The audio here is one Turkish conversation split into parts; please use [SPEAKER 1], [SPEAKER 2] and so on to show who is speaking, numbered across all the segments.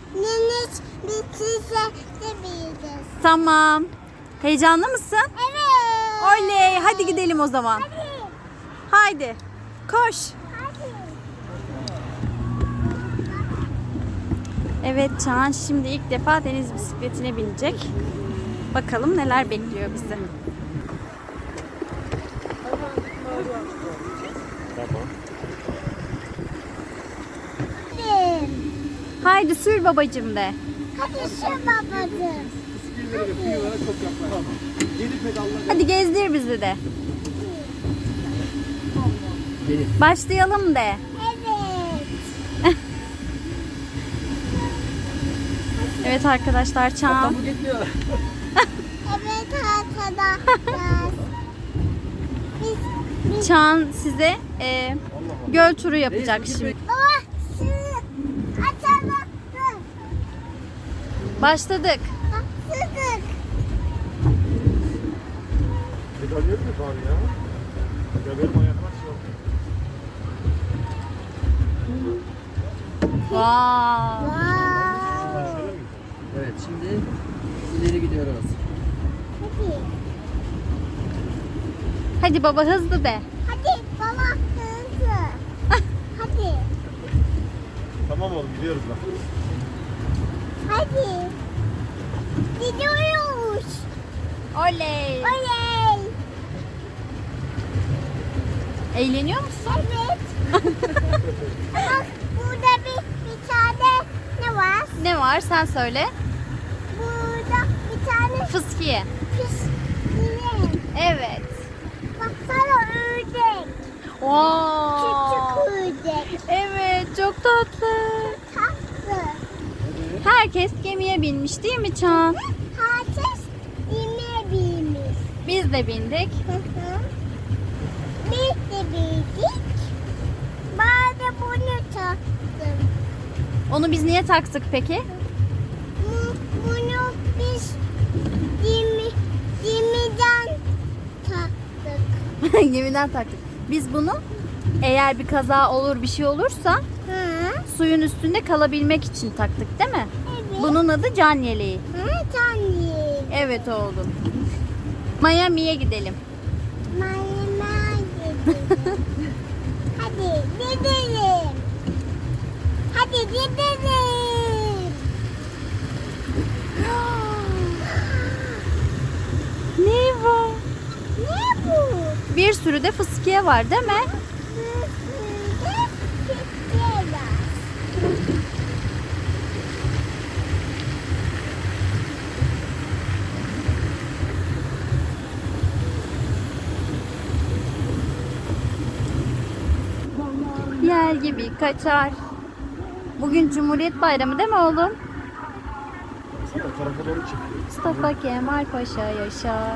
[SPEAKER 1] Neniş bitirse de biliriz.
[SPEAKER 2] Tamam. Heyecanlı mısın?
[SPEAKER 1] Evet.
[SPEAKER 2] Oley. Hadi gidelim o zaman.
[SPEAKER 1] Hadi.
[SPEAKER 2] Haydi. Koş.
[SPEAKER 1] Hadi.
[SPEAKER 2] Evet, Çağan şimdi ilk defa deniz bisikletine binecek. Bakalım neler bekliyor bizi.
[SPEAKER 3] Tamam.
[SPEAKER 1] Hadi.
[SPEAKER 2] Haydi sür babacığım de.
[SPEAKER 1] Hadi şu babacığım.
[SPEAKER 2] Hadi gezdir bizi de. Başlayalım de.
[SPEAKER 1] Evet.
[SPEAKER 2] Evet arkadaşlar, Çağan.
[SPEAKER 1] Evet arkadaşlar. Biz
[SPEAKER 2] Çağan size göl turu yapacak şimdi.
[SPEAKER 1] baba sizi açalım.
[SPEAKER 2] Başladık.
[SPEAKER 1] Başladık.
[SPEAKER 3] Medalya mı var ya? Ya benim ayaklar şey oldu.
[SPEAKER 2] Wow.
[SPEAKER 1] Wow.
[SPEAKER 4] Evet, şimdi ileri gidiyoruz.
[SPEAKER 1] Hadi.
[SPEAKER 2] Hadi baba hızlı de.
[SPEAKER 1] Hadi baba hızlı. Hadi.
[SPEAKER 3] Tamam oğlum gidiyoruz bak.
[SPEAKER 1] Hadi. Gidiyoruz.
[SPEAKER 2] Oley.
[SPEAKER 1] Oley.
[SPEAKER 2] Eğleniyor musun?
[SPEAKER 1] Evet. Bak burada bir tane ne var?
[SPEAKER 2] Ne var sen söyle.
[SPEAKER 1] Burada bir tane
[SPEAKER 2] Fıskiye.
[SPEAKER 1] pis yine.
[SPEAKER 2] Evet.
[SPEAKER 1] Baksana ördek.
[SPEAKER 2] Wow.
[SPEAKER 1] Küçük ördek.
[SPEAKER 2] Evet, çok tatlı.
[SPEAKER 1] Tatlı.
[SPEAKER 2] Herkes gemiye binmiş değil mi Çağan?
[SPEAKER 1] Herkes yine bilmiş.
[SPEAKER 2] Biz de bindik.
[SPEAKER 1] Hı hı. Biz de bildik. Ben de bunu taktım.
[SPEAKER 2] Onu biz niye taktık peki?
[SPEAKER 1] Bunu biz gemiden taktık.
[SPEAKER 2] Gemiden taktık. Biz bunu eğer bir kaza olur, bir şey olursa
[SPEAKER 1] Hı?
[SPEAKER 2] suyun üstünde kalabilmek için taktık değil mi?
[SPEAKER 1] Evet.
[SPEAKER 2] Bunun adı can yeleği.
[SPEAKER 1] Hı, tanrım.
[SPEAKER 2] Evet oğlum. Miami'ye gidelim.
[SPEAKER 1] Mayma gidelim. Hadi gidelim. Hadi gidelim.
[SPEAKER 2] Ne var?
[SPEAKER 1] Ne bu?
[SPEAKER 2] Bir sürü de fıskiye var değil mi?
[SPEAKER 1] Üstünde pikniğe.
[SPEAKER 2] Yer gibi kaçar. Bugün Cumhuriyet Bayramı değil mi oğlum?
[SPEAKER 3] Sana o tarafa doğru çekiyor.
[SPEAKER 2] Mustafa Kemal Paşa yaşa.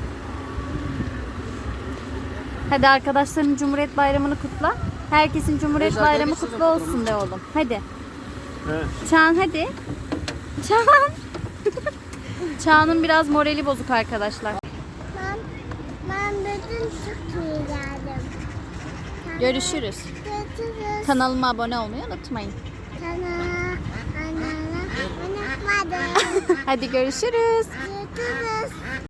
[SPEAKER 2] Hadi arkadaşların Cumhuriyet Bayramı'nı kutla. Herkesin Cumhuriyet
[SPEAKER 4] Evet,
[SPEAKER 2] Bayramı
[SPEAKER 4] arkadaşlar,
[SPEAKER 2] kutlu olsun de oğlum. Hadi.
[SPEAKER 3] He.
[SPEAKER 2] Çağan hadi. Çağan. Çağan'ın biraz morali bozuk arkadaşlar.
[SPEAKER 1] Ben bütün Türkiye'ye geldim.
[SPEAKER 2] Görüşürüz.
[SPEAKER 1] Görüşürüz.
[SPEAKER 2] Kanalıma abone olmayı unutmayın.
[SPEAKER 1] Unutmadım.
[SPEAKER 2] Hadi görüşürüz.
[SPEAKER 1] Görüşürüz.